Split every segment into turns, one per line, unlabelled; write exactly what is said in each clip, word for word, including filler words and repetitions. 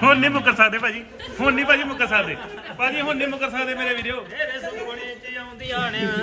ਹੁਣ ਨਹੀਂ ਮੁੱਕਰ ਸਕਦੇ ਭਾਜੀ ਹੁਣ ਨਹੀਂ ਭਾਜੀ ਮੁੱਕਰ ਸਕਦੇ ਭਾਜੀ ਹੁਣ ਨਹੀਂ ਮੁੱਕਰ ਸਕਦੇ ਮੇਰੇ ਵੀਡੀਓ ਮੇਰੇ ਸੁਪਨੇ ਚ ਆਉਂਦੀਆਂ ਨੇ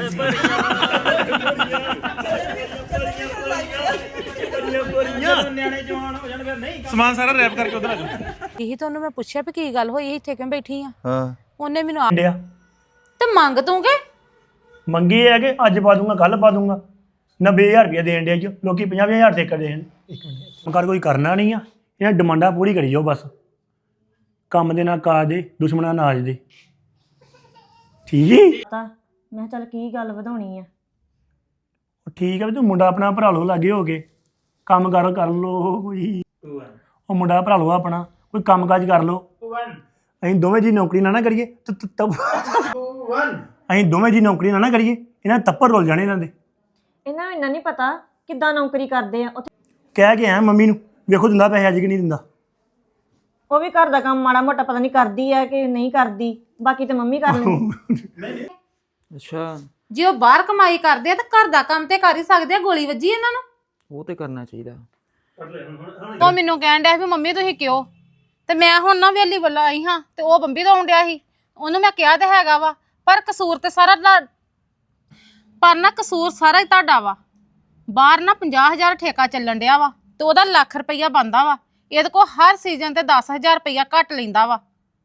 ਬੜੀਆਂ ਨਿਆਣੇ ਜਵਾਨ ਹੋ ਜਾਣ ਫਿਰ ਨਹੀਂ ਸਮਾਨ ਸਾਰਾ ਰੈਪ ਕਰਕੇ ਉਧਰ ਆ ਜਾਓ
ਇਹੀ ਤੁਹਾਨੂੰ ਮੈਂ ਪੁੱਛਿਆ ਵੀ ਕੀ ਗੱਲ ਹੋਈ ਇੱਥੇ ਕਿਉਂ ਬੈਠੀ ਆ
ਹਾਂ
ਉਹਨੇ ਮੈਨੂੰ ਆ
ਡਿਆ
ਤੇ ਮੰਗ ਤੂੰਗੇ
ਮੰਗੀ ਹੈ ਕਿ ਅੱਜ ਪਾ ਦੂੰਗਾ ਕੱਲ ਪਾ ਦੂੰਗਾ ਨੱਬੇ ਹਜ਼ਾਰ ਰੁਪਇਆ ਦੇਣ ਦੇ ਚ ਲੋਕੀ ਪੰਜਾਹ ਹਜ਼ਾਰ ਤੇ ਕਰ ਦੇਣ ਇੱਕ ਮਿੰਟ ਕਰ ਕੋਈ ਕਰਨਾ ਨਹੀਂ ਆ ਇਹਨਾਂ ਡਿਮਾਂਡਾਂ ਪੂਰੀ ਕਰੀ ਜਾਓ ਬਸ ਕੰਮ ਦੇ ਨਾਲ ਕਾਜ ਦੇ ਦੁਸ਼ਮਣਾਂ ਨਾਜ ਦੇ ਠੀਕ ਜੀ
ਪਤਾ ਮੈਂ ਚੱਲ ਕੀ ਗੱਲ ਵਧਾਉਣੀ ਆ
ਠੀਕ ਹੈ ਵੀ ਤੂੰ ਮੁੰਡਾ ਆਪਣਾ ਭਰਾ ਲਓ ਲਾਗੇ ਹੋ ਕੇ ਕੰਮ ਕਰ ਕਰ ਲਓ ਕੋਈ ਉਹ ਮੁੰਡਾ ਭਰਾ ਲਓ ਆਪਣਾ ਕੋਈ ਕੰਮ ਕਾਜ ਕਰ ਲਓ ਅਸੀਂ ਦੋਵੇਂ ਜੀ ਨੌਕਰੀ ਨਾ ਨਾ ਕਰੀਏ ਤਬ ਅਸੀਂ ਦੋਵੇਂ ਜੀ ਨੌਕਰੀ ਨਾ ਨਾ ਕਰੀਏ ਇਹਨਾਂ ਤੱਪਰ ਰੁੱਲ ਜਾਣੇ ਇਹਨਾਂ ਦੇ
ਇਹਨਾਂ ਨੂੰ ਇੰਨਾ ਨਹੀਂ ਪਤਾ ਕਿੱਦਾਂ ਨੌਕਰੀ ਕਰਦੇ ਆ ਉੱਥੇ
ਕਹਿ ਕੇ ਆਇਆ ਮੰਮੀ ਨੂੰ ਵੇਖੋ ਦਿੰਦਾ ਪੈਸੇ ਅੱਜ ਕਿ ਨਹੀਂ ਦਿੰਦਾ
ਉਹ ਵੀ ਘਰ ਦਾ ਕੰਮ ਮਾੜਾ ਮੋਟਾ ਪਤਾ ਨਹੀਂ ਕਰਦੀ ਆ ਕਿ ਨਹੀਂ ਕਰਦੀ ਬਾਕੀ ਤੇ ਮੰਮੀ ਕਰ ਲੈਂਦੀ
ਅੱਛਾ
ਜੇ ਉਹ ਬਾਹਰ ਕਮਾਈ ਕਰਦੇ ਆ ਤਾਂ ਘਰ ਦਾ ਕੰਮ ਤੇ ਕਰ ਹੀ ਸਕਦੇ ਆ ਗੋਲੀ ਵੱਜੀ ਇਹਨਾਂ ਨੂੰ
ਉਹ ਤੇ ਕਰਨਾ ਚਾਹੀਦਾ
ਉਹ ਮੈਨੂੰ ਕਹਿਣ ਡਿਆ ਵੀ ਮੰਮੀ ਤੁਸੀਂ ਕਿਉਂ ਤੇ ਮੈਂ ਹੁਣ ਨਾ ਵੇਲੀ ਵੱਲ ਆਈ ਹਾਂ ਤੇ ਉਹ ਬੰਬੀ ਤੋਂ ਆਉਣ ਡਿਆ ਸੀ ਉਹਨੂੰ ਮੈਂ ਕਿਹਾ ਤੇ ਹੈਗਾ ਵਾ ਪਰ ਕਸੂਰ ਤੇ ਸਾਰਾ ਪਰ ਨਾ ਕਸੂਰ ਸਾਰਾ ਹੀ ਤੁਹਾਡਾ ਵਾ ਬਾਹਰ ਨਾ ਪੰਜਾਹ ਹਜ਼ਾਰ ਠੇਕਾ ਚੱਲਣ ਡਿਆ ਵਾ ਤੇ ਉਹਦਾ ਲੱਖ ਰੁਪਈਆ ਬਣਦਾ ਵਾ ਇਹਦੇ ਕੋਲ ਹਰ ਸੀਜ਼ਨ ਤੇ ਦਸ ਹਜ਼ਾਰ ਰੁਪਈਆ ਘੱਟ ਲੈਂਦਾ ਵਾ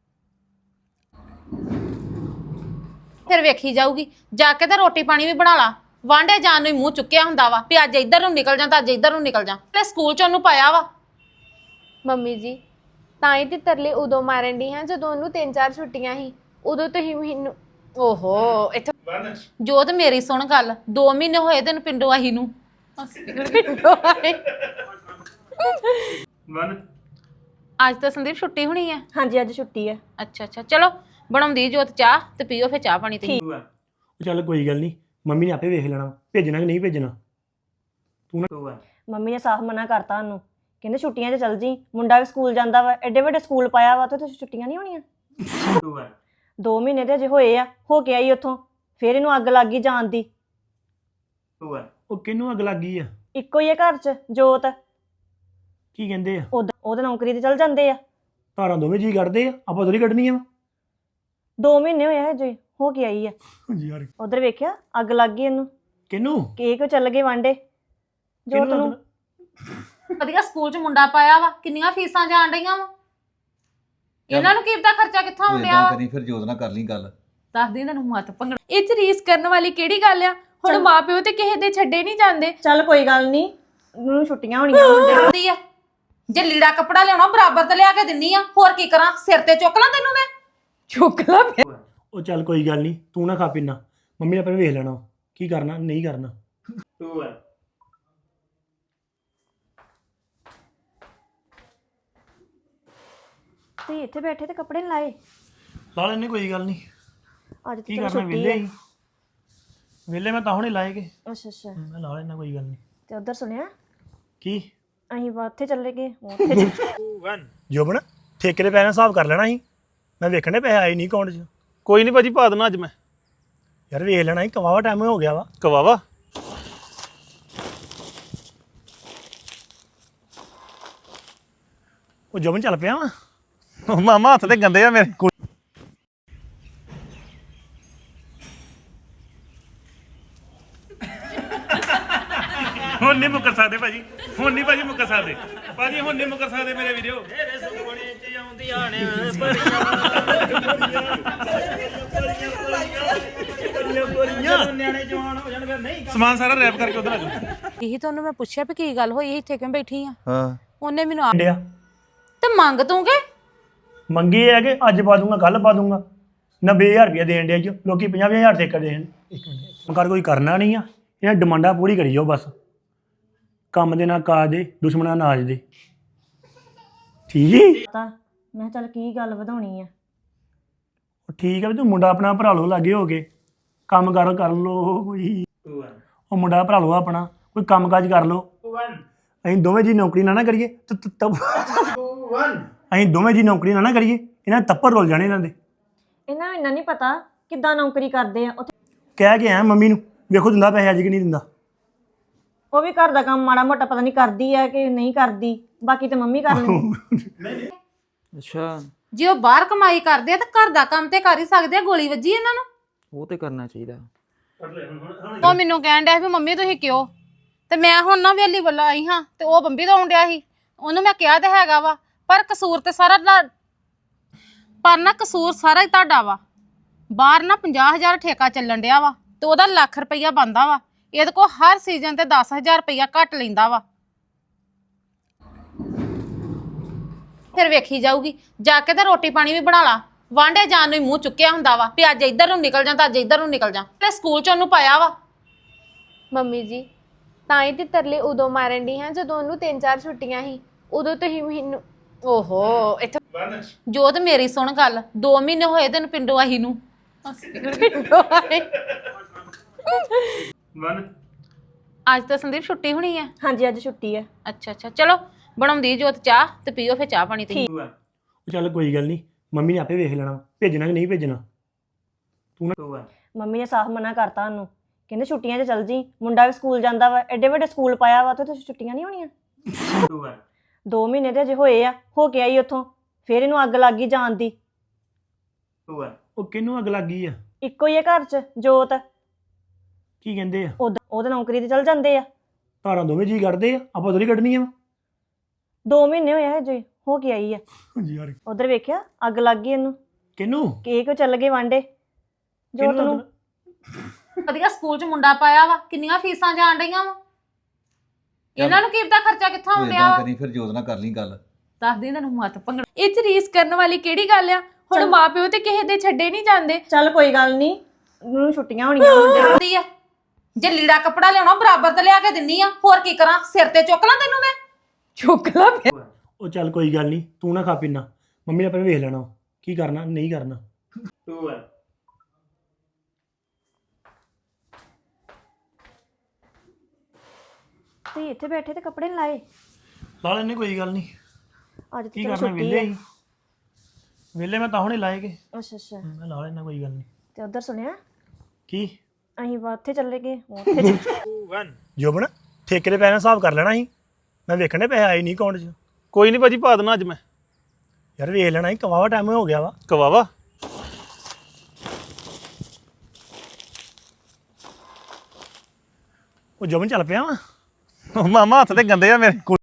ਫਿਰ ਵੇਖੀ ਜਾਊਗੀ ਜਾ ਕੇ ਤੇ ਰੋਟੀ ਪਾਣੀ ਵੀ ਬਣਾ ਲਾ ਵਾਂਡੇ ਜਾਣ ਨੂੰ ਹੀ ਮੂੰਹ ਚੁੱਕਿਆ ਹੁੰਦਾ ਵਾ ਵੀ ਅੱਜ ਇੱਧਰ ਨੂੰ ਨਿਕਲ ਜਾ ਤਾਂ ਅੱਜ ਇੱਧਰ ਨੂੰ ਨਿਕਲ ਜਾ ਤੇ ਸਕੂਲ ਚ ਉਹਨੂੰ ਪਾਇਆ ਵਾ
ਮੰਮੀ ਜੀ ਤਾਂ ਹੀ ਤੇ ਤਰਲੇ ਉਦੋਂ ਮਾਰਨ ਦੀ ਹਾਂ ਜਦੋਂ ਉਹਨੂੰ ਤਿੰਨ ਚਾਰ ਛੁੱਟੀਆਂ ਸੀ ਉਦੋਂ ਤੁਸੀਂ ਮੈਨੂੰ
ਓਹੋ ਇੱਥੇ ਜੋਤ ਮੇਰੀ ਸੁਣ ਗੱਲ ਦੋ ਮਹੀਨੇ ਹੋਏ ਤੈਨੂੰ ਪਿੰਡੋਂ ਆਹੀ ਨੂੰ ਪਿੰਡੋਂ ਆਏ ਅੱਜ ਤਾਂ ਸੰਦੀਪ ਛੁੱਟੀ ਹੋਣੀ ਹੈ
ਹਾਂਜੀ ਅੱਜ ਛੁੱਟੀ ਆ
ਅੱਛਾ ਅੱਛਾ ਚਲੋ ਬਣਾਉਂਦੀ ਜੋਤ ਚਾਹ ਤੇ ਪੀਓ ਫਿਰ ਚਾਹ ਪਾਣੀ ਤੇ
ਉਹ ਚੱਲ ਕੋਈ ਗੱਲ ਨਹੀਂ ਮੰਮੀ ਨੇ ਆਪੇ ਵੇਖ ਲੈਣਾ ਭੇਜਣਾ ਕਿ ਨਹੀਂ ਭੇਜਣਾ ਤੂੰ ਨਾ
ਮੰਮੀ ਨੇ ਸਾਫ਼ ਮਨਾ ਕਰਤਾ ਉਹਨੂੰ ਕਹਿੰਦੇ ਛੁੱਟੀਆਂ 'ਚ ਚੱਲ ਜੀ ਮੁੰਡਾ ਵੀ ਸਕੂਲ ਜਾਂਦਾ ਵਾ ਐਡੇ ਵੱਡੇ ਸਕੂਲ ਪਾਇਆ ਵਾ ਤੇ ਛੁੱਟੀਆਂ ਨਹੀਂ ਹੋਣੀਆਂ ਦੋ ਮਹੀਨੇ ਤੇ ਅਜੇ ਹੋਏ ਆ ਹੋ ਕੇ ਆਈ ਉੱਥੋਂ ਫਿਰ ਇਹਨੂੰ ਅੱਗ ਲੱਗ ਗਈ ਜਾਣ ਦੀ
ਉਹ ਕਿਹਨੂੰ ਅੱਗ ਲੱਗ ਗਈ ਆ
ਇੱਕੋ ਹੀ ਆ ਘਰ 'ਚ ਜੋਤ
ਕੀ ਕਹਿੰਦੇ ਆ
ਉਹਦਾ ਉਹਦੇ ਨੌਕਰੀ ਤੇ ਚੱਲ ਜਾਂਦੇ ਆ
ਧਾਰਾਂ ਦੋਵੇਂ ਜੀ ਕੱਢਦੇ ਆ ਆਪਾਂ ਥੋੜੀ ਕੱਢਣੀਆਂ ਵਾ
ਦੋ ਮਹੀਨੇ ਹੋਏ ਆ ਹਜੇ ਹੋ ਕੇ ਆਈ ਆ
ਯਾਰ
ਉਧਰ ਵੇਖਿਆ ਅੱਗ ਲੱਗ ਗਈ ਇਹਨੂੰ
ਕਿਹਨੂੰ
ਕੇ ਕਿਉਂ ਚੱਲ ਗਏ ਵਾਂਡੇ ਜੋਤ ਨੂੰ
ਵਧੀਆ ਸਕੂਲ ਚ ਮੁੰਡਾ ਪਾਇਆ ਵਾ ਕਿੰਨੀਆਂ ਫੀਸਾਂ ਜਾਣ ਡਈਆਂ ਵਾ ਇਹਨਾਂ ਨੂੰ ਕੀ ਪਤਾ ਖਰਚਾ ਕਿੱਥੋਂ ਆਉਂਦਿਆ ਵਾ
ਕਰੀ ਫਿਰ ਜੋਤ ਨਾਲ ਕਰ ਲਈ ਗੱਲ
ਦੱਸਦੀ ਇਹਨਾਂ ਨੂੰ ਮਤ ਭੰਗੜ
ਇਹ ਚ ਰੀਸ ਕਰਨ ਵਾਲੀ ਕਿਹੜੀ ਗੱਲ ਆ ਹੁਣ ਮਾਪਿਓ ਤੇ ਕਿਸੇ ਦੇ ਛੱਡੇ ਨਹੀਂ ਜਾਂਦੇ
ਚੱਲ ਕੋਈ ਗੱਲ ਨਹੀਂ ਉਹਨੂੰ ਛੁੱਟੀਆਂ ਹੋਣੀਆਂ ਮੁੰਡੇ ਨੂੰ।
ਦੀ ਆ ਜੇ ਲੀੜਾ ਕੱਪੜਾ ਲਿਆਉਣਾ ਬਰਾਬਰ ਤੇ ਲਿਆ ਕੇ ਦਿੰਨੀ ਆ ਹੋਰ ਕੀ ਕਰਾਂ ਸਿਰ ਤੇ ਚੁੱਕ ਲਾਂ ਤੈਨੂੰ ਮੈਂ
ਚੁੱਕ ਲਾ
ਉਹ ਚੱਲ ਕੋਈ ਗੱਲ ਨਹੀਂ ਤੂੰ ਨਾ ਖਾ ਪੀਨਾ ਮੰਮੀ ਨੇ ਆਪਣੇ ਵੇਖ ਲੈਣਾ ਕੀ ਕਰਨਾ ਨਹੀਂ ਕਰਨਾ
ਤੁਸੀਂ ਇੱਥੇ ਬੈਠੇ ਤੇ ਕੱਪੜੇ ਨੀ ਲਾਏ
ਲਾ ਲੈਣੇ ਕੋਈ ਗੱਲ ਨਹੀਂ
ਅੱਜ
ਕੀ
ਤੇ
ਕਰਨਾ
ਛੁੱਟੀ
ਵਿਹਲੇ
ਹੈ
ਹੀ ਵਿਹਲੇ ਮੈਂ ਤਾਂ ਹੁਣੇ ਲਾਏਗੇ
ਅੱਛਾ ਅੱਛਾ
ਮੈਂ ਲਾ ਲੈਣਾ ਕੋਈ ਗੱਲ ਨਹੀਂ
ਤੇ ਉਧਰ ਸੁਣਿਆ
ਕੀ
ਅਸੀਂ ਵਾ ਉੱਥੇ ਚੱਲੇ ਗਏ ਉੱਥੇ ਚੱਲ-
ਜੋਬਨ ਠੇਕੇ ਦੇ ਪੈਸੇ ਹਿਸਾਬ ਕਰ ਲੈਣਾ ਸੀ ਮੈਂ ਵੇਖਣ ਦੇ ਪੈਸੇ ਆਏ ਨਹੀਂ ਅਕਾਊਂਟ 'ਚ
ਕੋਈ ਨਹੀਂ ਭਾਜੀ ਪਾ ਦੇਣਾ ਅੱਜ ਮੈਂ
ਯਾਰ ਵੇਖ ਲੈਣਾ ਸੀ ਕਵਾਵਾ ਟਾਈਮ ਹੋ ਗਿਆ ਵਾ
ਕਵਾਵਾ
ਉਹ ਜੋਬਨ ਚੱਲ ਪਿਆ ਵਾ
ਮਾਮਾ ਹੱਥ ਤੇ ਗੰਦੇ ਆ ਮੇਰੇ ਹੁਣ ਨਹੀਂ ਮੁੱਕਰ ਸਕਦੇ ਭਾਜੀ ਹੁਣ ਨਹੀਂ ਭਾਜੀ ਮੁੱਕਰ ਸਕਦੇ ਭਾਜੀ ਹੁਣ ਨਹੀਂ ਮੁੱਕਰ ਸਕਦੇ ਮੇਰੇ ਵੀਡੀਓ ਮੇਰੇ ਸੁਪਨੇ ਚ ਆਉਂਦੀਆਂ ਨੇ ਬੜੀਆਂ ਨਿਆਣੇ ਜਵਾਨ ਹੋ ਜਾਣ ਫਿਰ ਨਹੀਂ ਸਮਾਨ ਸਾਰਾ ਰੈਪ ਕਰਕੇ ਉਧਰ ਆ ਜਾਓ
ਇਹੀ ਤੁਹਾਨੂੰ ਮੈਂ ਪੁੱਛਿਆ ਵੀ ਕੀ ਗੱਲ ਹੋਈ ਇੱਥੇ ਕਿਉਂ ਬੈਠੀ ਆ
ਹਾਂ
ਉਹਨੇ ਮੈਨੂੰ ਆ
ਡਿਆ
ਤੇ ਮੰਗ ਤੂੰਗੇ
ਮੰਗੀ ਹੈ ਕਿ ਅੱਜ ਪਾ ਦੂੰਗਾ ਕੱਲ ਪਾ ਦੂੰਗਾ ਨੱਬੇ ਹਜ਼ਾਰ ਰੁਪਇਆ ਦੇਣ ਦੇ ਚ ਲੋਕੀ ਪੰਜਾਹ ਹਜ਼ਾਰ ਤੇ ਕਰ ਦੇਣ ਇੱਕ ਮਿੰਟ ਕਰ ਕੋਈ ਕਰਨਾ ਨਹੀਂ ਆ ਇਹਨਾਂ ਡਿਮਾਂਡਾਂ ਪੂਰੀ ਕਰੀ ਜਾਓ ਬਸ ਕੰਮ ਦੇ ਨਾਲ ਕਾਜ ਦੇ ਦੁਸ਼ਮਣਾਂ ਨਾਜ ਦੇ ਠੀਕ ਜੀ
ਪਤਾ ਮੈਂ ਚੱਲ ਕੀ ਗੱਲ ਵਧਾਉਣੀ ਆ
ਉਹ ਠੀਕ ਹੈ ਵੀ ਤੂੰ ਮੁੰਡਾ ਆਪਣਾ ਭਰਾ ਲਓ ਲਾਗੇ ਹੋ ਕੇ ਕੰਮ ਕਰ ਕਰ ਲਓ ਕੋਈ ਉਹ ਮੁੰਡਾ ਭਰਾ ਲਓ ਆਪਣਾ ਕੋਈ ਕੰਮ ਕਾਜ ਕਰ ਲਓ ਅਸੀਂ ਦੋਵੇਂ ਜੀ ਨੌਕਰੀ ਨਾ ਨਾ ਕਰੀਏ ਤਬ ਅਸੀਂ ਦੋਵੇਂ ਜੀ ਨੌਕਰੀ ਨਾ ਨਾ ਕਰੀਏ ਇਹਨਾਂ ਤੱਪਰ ਰੁੱਲ ਜਾਣੇ ਇਹਨਾਂ ਦੇ
ਇਹਨਾਂ ਨੂੰ ਇੰਨਾ ਨਹੀਂ ਪਤਾ ਕਿੱਦਾਂ ਨੌਕਰੀ ਕਰਦੇ ਆ ਉੱਥੇ
ਕਹਿ ਕੇ ਆਇਆ ਮੰਮੀ ਨੂੰ ਵੇਖੋ ਦਿੰਦਾ ਪੈਸੇ ਅੱਜ ਕਿ ਨਹੀਂ ਦਿੰਦਾ
ਉਹ ਵੀ ਘਰ ਦਾ ਕੰਮ ਮਾੜਾ ਮੋਟਾ ਪਤਾ ਨਹੀਂ ਕਰਦੀ ਆ ਕਿ ਨਹੀਂ ਕਰਦੀ ਬਾਕੀ ਤੇ ਮੰਮੀ ਕਰ ਲੈਂਦੀ
ਅੱਛਾ
ਜੇ ਉਹ ਬਾਹਰ ਕਮਾਈ ਕਰਦੇ ਆ ਤਾਂ ਘਰ ਦਾ ਕੰਮ ਤੇ ਕਰ ਹੀ ਸਕਦੇ ਆ। ਗੋਲੀ ਵੱਜੀ ਇਹਨਾਂ ਨੂੰ।
ਉਹ ਤੇ ਕਰਨਾ ਚਾਹੀਦਾ।
ਉਹ ਮੈਨੂੰ ਕਹਿਣ ਡਿਆ ਵੀ ਮੰਮੀ ਤੁਸੀਂ ਕਿਉਂ, ਤੇ ਮੈਂ ਹੁਣ ਨਾ ਵੇਲੀ ਵੱਲੋਂ ਆਈ ਹਾਂ ਤੇ ਉਹ ਬੰਬੀ ਤੋਂ ਆਉਂਦਿਆ ਸੀ। ਉਹਨੂੰ ਮੈਂ ਕਿਹਾ ਤੇ ਹੈਗਾ ਵਾ, ਪਰ ਕਸੂਰ ਤੇ ਸਾਰਾ ਲਾ- ਪਰ ਨਾ ਕਸੂਰ ਸਾਰਾ ਹੀ ਤੁਹਾਡਾ ਵਾ। ਬਾਹਰ ਨਾ ਪੰਜਾਹ ਹਜ਼ਾਰ ਠੇਕਾ ਚੱਲਣ ਡਿਆ ਵਾ ਤੇ ਉਹਦਾ ਲੱਖ ਰੁਪਈਆ ਬਣਦਾ ਵਾ। ਇਹਦੇ ਕੋਲ ਹਰ ਸੀਜ਼ਨ ਤੇ ਦਸ ਹਜ਼ਾਰ ਰੁਪਈਆ ਘੱਟ ਲੈਂਦਾ ਵਾ। ਫਿਰ ਵੇਖੀ ਜਾਊਗੀ, ਜਾ ਕੇ ਤੇ ਰੋਟੀ ਪਾਣੀ ਵੀ ਬਣਾ ਲਾ। ਵਾਂਡੇ ਜਾਣ ਨੂੰ ਹੀ ਮੂੰਹ ਚੁੱਕਿਆ ਹੁੰਦਾ ਵਾ ਵੀ ਅੱਜ ਇੱਧਰ ਨੂੰ ਨਿਕਲ ਜਾ ਤਾਂ ਅੱਜ ਇੱਧਰ ਨੂੰ ਨਿਕਲ ਜਾ। ਤੇ ਸਕੂਲ ਚ ਉਹਨੂੰ ਪਾਇਆ ਵਾ।
ਮੰਮੀ ਜੀ ਤਾਂ ਹੀ ਤੇ ਤਰਲੇ ਉਦੋਂ ਮਾਰਨ ਦੀ ਹਾਂ ਜਦੋਂ ਉਹਨੂੰ ਤਿੰਨ ਚਾਰ ਛੁੱਟੀਆਂ ਸੀ। ਉਦੋਂ ਤੁਸੀਂ ਮੈਨੂੰ ਓਹੋ ਇੱਥੇ ਜੋਤ ਮੇਰੀ ਸੁਣ ਗੱਲ, ਦੋ ਮਹੀਨੇ ਹੋਏ ਤੈਨੂੰ ਪਿੰਡੋਂ ਆਹੀ ਨੂੰ। ਪਿੰਡੋਂ ਆਏ। ਅੱਜ ਤਾਂ ਸੰਦੀਪ ਛੁੱਟੀ ਹੋਣੀ ਹੈ।
ਹਾਂਜੀ ਅੱਜ ਛੁੱਟੀ ਹੈ।
ਅੱਛਾ ਅੱਛਾ ਚਲੋ ਬਣਾਉਂਦੀ ਜੋਤ ਚਾਹ ਤੇ ਪੀਓ ਫਿਰ ਚਾਹ ਪਾਣੀ ਤੇ।
ਉਹ ਚੱਲ ਕੋਈ ਗੱਲ ਨਹੀਂ, ਮੰਮੀ ਨੇ ਆਪੇ ਵੇਖ ਲੈਣਾ ਭੇਜਣਾ ਕਿ ਨਹੀਂ ਭੇਜਣਾ। ਤੂੰ ਨਾ
ਮੰਮੀ ਨੇ ਸਾਫ਼ ਮਨਾ ਕਰਤਾ ਉਹਨੂੰ, ਕਹਿੰਦੇ ਛੁੱਟੀਆਂ 'ਚ ਚੱਲ ਜੀ, ਮੁੰਡਾ ਵੀ ਸਕੂਲ ਜਾਂਦਾ ਵਾ, ਐਡੇ ਵੱਡੇ ਸਕੂਲ ਪਾਇਆ ਵਾ, ਉੱਥੇ ਤਾਂ ਛੁੱਟੀਆਂ ਨਹੀਂ ਹੋਣੀਆਂ। ਦੋ ਮਹੀਨੇ ਤੇ ਅਜੇ ਹੋਏ ਆ, ਹੋ ਕੇ ਆਈ ਉੱਥੋਂ, ਫਿਰ ਇਹਨੂੰ ਅੱਗ ਲੱਗ ਗਈ ਜਾਣ ਦੀ।
ਉਹ ਕਿਹਨੂੰ ਅੱਗ ਲੱਗ ਗਈ ਆ?
ਇੱਕੋ ਹੀ ਆ ਘਰ 'ਚ ਜੋਤ,
ਕੀ ਕਹਿੰਦੇ ਆ?
ਉਹਦ- ਉਹਦੇ ਨੌਕਰੀ ਤੇ ਚੱਲ ਜਾਂਦੇ ਆ।
ਧਾਰਾਂ ਦੋਵੇਂ ਜੀ ਕੱਢਦੇ ਆ, ਆਪਾਂ ਥੋੜੀ ਕੱਢਣੀ ਆ।
ਦੋ ਮਹੀਨੇ ਹੋਏ ਆ ਹਜੇ, ਹੋ ਕੇ ਆਈ ਆ।
ਯਾਰ
ਉਧਰ ਵੇਖਿਆ ਅੱਗ ਲੱਗ ਗਈ ਇਹਨੂੰ,
ਕਿਹਨੂੰ?
ਕੇਕ ਚੱਲ ਗਏ ਵਾਂਡੇ ਜੋਤ
ਕਿਹਨੂੰ
ਨੂੰ।
ਅੱਗ-
ਵਧੀਆ ਸਕੂਲ ਚ ਮੁੰਡਾ ਪਾਇਆ ਵਾ, ਕਿੰਨੀਆਂ ਫੀਸਾਂ ਜਾਣ ਡਈਆਂ ਵਾ। ਇਹਨਾਂ ਨੂੰ ਕੀ ਪਤਾ ਖਰਚਾ ਕਿੱਥੋਂ
ਤੂੰ
ਆਉਂਦਿਆ
ਏਦਾਂ
ਵਾ।
ਕਰੀ ਫਿਰ ਜੋਤ ਨਾਲ ਕਰ ਲਈ ਗੱਲ।
ਦੱਸਦੀ ਤੈਨੂੰ ਮੱਤ ਭੰਗੜ
ਇਹ ਚ ਰੀਸ ਕਰਨ ਵਾਲੀ ਕਿਹੜੀ ਗੱਲ ਆ। ਹੁਣ ਮਾਪਿਓ ਤੇ ਕਿਸੇ ਦੇ ਛੱਡੇ ਨਹੀਂ ਜਾਂਦੇ।
ਚੱਲ ਕੋਈ ਗੱਲ ਨਹੀਂ, ਉਹਨੂੰ ਛੁੱਟੀਆਂ ਹੋਣੀਆਂ ਮੁੰਡੇ
ਦੀ ਆ। ਜੇ ਲੀੜਾ ਕੱਪੜਾ ਲਿਆਉਣਾ ਬਰਾਬਰ ਤੇ ਲਿਆ ਕੇ ਦਿੰਨੀ ਆ, ਹੋਰ ਕੀ ਕਰਾਂ? ਸਿਰ ਤੇ ਚੁੱਕ ਲਾਂ ਤੈਨੂੰ ਮੈਂ? ਚੁੱਕ ਲਾਂ ਫਿਰ।
ਉਹ ਚੱਲ ਕੋਈ ਗੱਲ ਨਹੀਂ, ਤੂੰ ਨਾ ਖਾ ਪੀਨਾ, ਮੰਮੀ ਨੇ ਆਪੇ ਵੇਖ ਲੈਣਾ ਕੀ ਕਰਨਾ ਨਹੀਂ ਕਰਨਾ।
ਤੁਸੀਂ ਇੱਥੇ ਬੈਠੇ ਤੇ ਕੱਪੜੇ ਨੀ ਲਾਏ।
ਲਾ ਲੈਣੇ ਕੋਈ ਗੱਲ ਨਹੀਂ,
ਅੱਜ
ਕੀ
ਤੇ ਚਲੋ
ਕਰਨਾ
ਛੁੱਟੀ
ਵਿਹਲੇ
ਹੈ।
ਹੀ ਵਿਹਲੇ ਮੈਂ ਤਾਂ ਹੁਣੇ ਲਾਏਗੇ।
ਅੱਛਾ ਅੱਛਾ,
ਮੈਂ ਲਾ ਲੈਣਾ ਕੋਈ ਗੱਲ ਨਹੀਂ।
ਤੇ ਉਧਰ ਸੁਣਿਆ
ਕੀ
ਅਸੀਂ ਵਾ ਉੱਥੇ ਚੱਲੇ ਗਏ, ਉੱਥੇ ਚੱਲੇ।
ਜੋਬਨ ਠੇਕੇ ਦੇ ਪੈਸੇ ਨਾਲ ਹਿਸਾਬ ਕਰ ਲੈਣਾ ਸੀ, ਮੈਂ ਵੇਖਣੇ ਪੈਸੇ ਆਏ ਨਹੀਂ ਅਕਾਊਂਟ 'ਚ।
ਕੋਈ ਨਹੀਂ ਭਾਜੀ ਪਾ ਦੇਣਾ ਅੱਜ ਮੈਂ।
ਯਾਰ ਵੇਖ ਲੈਣਾ ਸੀ, ਕਵਾਵਾ ਟਾਈਮ ਹੋ ਗਿਆ ਵਾ।
ਕਵਾਵਾ
ਉਹ ਜੋਬਨ ਚੱਲ ਪਿਆ ਵਾ।
ਮਾਮਾ ਹੱਥ ਤੇ ਗੰਦੇ ਆ ਮੇਰੇ।